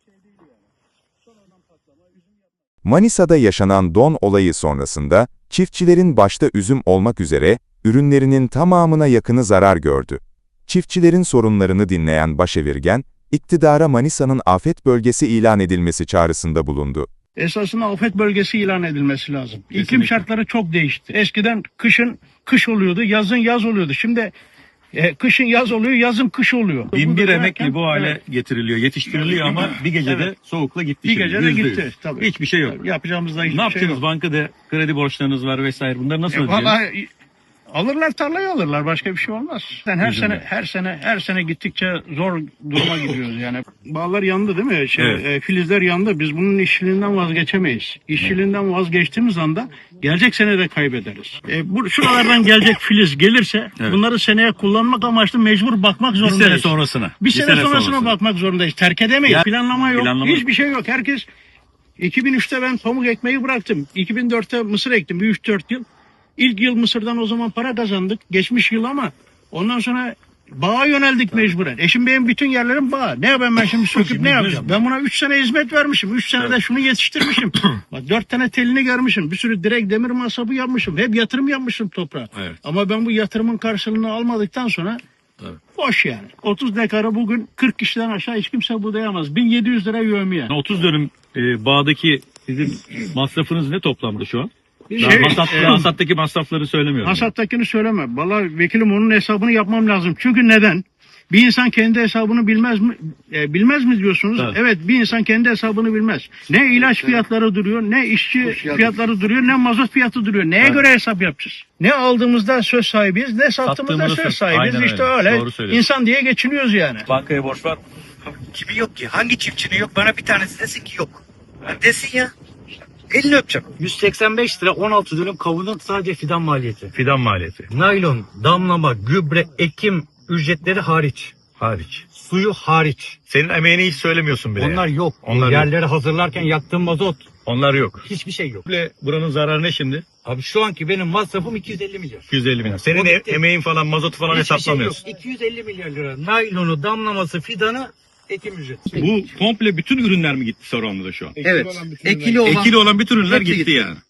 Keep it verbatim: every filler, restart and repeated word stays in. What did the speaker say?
Manisa'da yaşanan don olayı sonrasında, çiftçilerin başta üzüm olmak üzere, ürünlerinin tamamına yakını zarar gördü. Çiftçilerin sorunlarını dinleyen başevirgen, iktidara Manisa'nın afet bölgesi ilan edilmesi çağrısında bulundu. Esasında afet bölgesi ilan edilmesi lazım. Kesinlikle. İklim şartları çok değişti. Eskiden kışın kış oluyordu, yazın yaz oluyordu. Şimdi e, kışın yaz oluyor, yazın kış oluyor. Bin bir emekli derken, bu hale evet. getiriliyor, yetiştiriliyor ama bir gecede Evet. soğukla gitti. Bir şimdi, gecede yüzde yüz. gitti. Tabii. Hiçbir şey yok. Yapacağımız da hiçbir Ne şey yapacaksınız? yok. Bankada kredi borçlarınız var vesaire. Bunları nasıl E, ödeyeceksiniz? vallahi alırlar, tarlayı alırlar, başka bir şey olmaz. Yani her Üzümle. sene her sene her sene gittikçe zor duruma gidiyoruz yani. Bağlar yandı değil mi? Şey, Evet. e, filizler yandı. Biz bunun işçiliğinden vazgeçemeyiz. İşçiliğinden vazgeçtiğimiz anda gelecek sene de kaybederiz. E, bu şuralardan gelecek filiz gelirse Evet. bunları seneye kullanmak amaçlı mecbur bakmak Bir zorundayız. sene sonrasına. Bir sene, sonrasına bakmak zorundayız. Terk edemeyiz. Ya- Planlama yok. Planlama- Hiçbir şey yok. Herkes iki bin üçte ben pamuk ekmeği bıraktım. iki bin dörtte mısır ektim. Bir üç dört yıl. İlk yıl mısırdan o zaman para kazandık. Geçmiş yıl ama ondan sonra bağa yöneldik mecburen. Eşim benim bütün yerlerim bağ. Ne yapayım ben şimdi söküp Şimdi ne yapacağım? düz- Ben buna üç sene hizmet vermişim. üç senede şunu yetiştirmişim. Bak dört tane telini görmüşüm. Bir sürü direk demir masabı yapmışım. Hep yatırım yapmışım toprağa. Evet. Ama ben bu yatırımın karşılığını almadıktan sonra Evet. boş yani. otuz dekarı bugün kırk kişiden aşağı hiç kimse budayamaz. bin yedi yüz lira yövmiye. otuz dönüm e, bağdaki sizin masrafınız ne toplamda şu an? Daha Şey, hasat, e, hasattaki masrafları söylemiyorum. Hasattakini söyleme. Vallahi vekilim onun hesabını yapmam lazım. Çünkü neden? Bir insan kendi hesabını bilmez mi? E, bilmez mi diyorsunuz? Evet. Evet, bir insan kendi hesabını bilmez. Ne ilaç fiyatları duruyor, ne işçi fiyatları duruyor, ne mazot fiyatı duruyor. Neye Evet. göre hesap yapacağız? Ne aldığımızda söz sahibiyiz, ne sattığımızda Sattığımızda söz söz- sahibiyiz. Aynen İşte öyle. öyle. Doğru söylüyorsun. İnsan diye geçiniyoruz yani. Bankaya borç var. Kimi yok ki? Hangi çiftçinin yok? Bana bir tanesi desin ki yok. Ha desin ya. Elini öpeceğim. yüz seksen beş lira on altı dönüm kavunun sadece fidan maliyeti. Fidan maliyeti. Naylon, damlama, gübre, ekim ücretleri hariç. Hariç. Suyu hariç. Senin emeğini hiç söylemiyorsun bile. Onlar yok. Onlar yok. Yerleri hazırlarken yaktığım mazot. Onlar yok. Hiçbir şey yok. Komple buranın zararı ne şimdi? Abi şu anki benim masrafım iki yüz elli milyar. iki yüz elli bin lira. Senin O e- gitti. emeğin falan, mazotu falan Hiçbir şey yok. hesaplamıyorsun. iki yüz elli milyar lira. Naylonu, damlaması, fidanı, ekim ücreti. Bu komple bütün ürünler mi gitti Saruhanlı'da şu an? Evet. Ekili olan. Ekili olan bütün ürünler Hepsi gitti gitti. yani.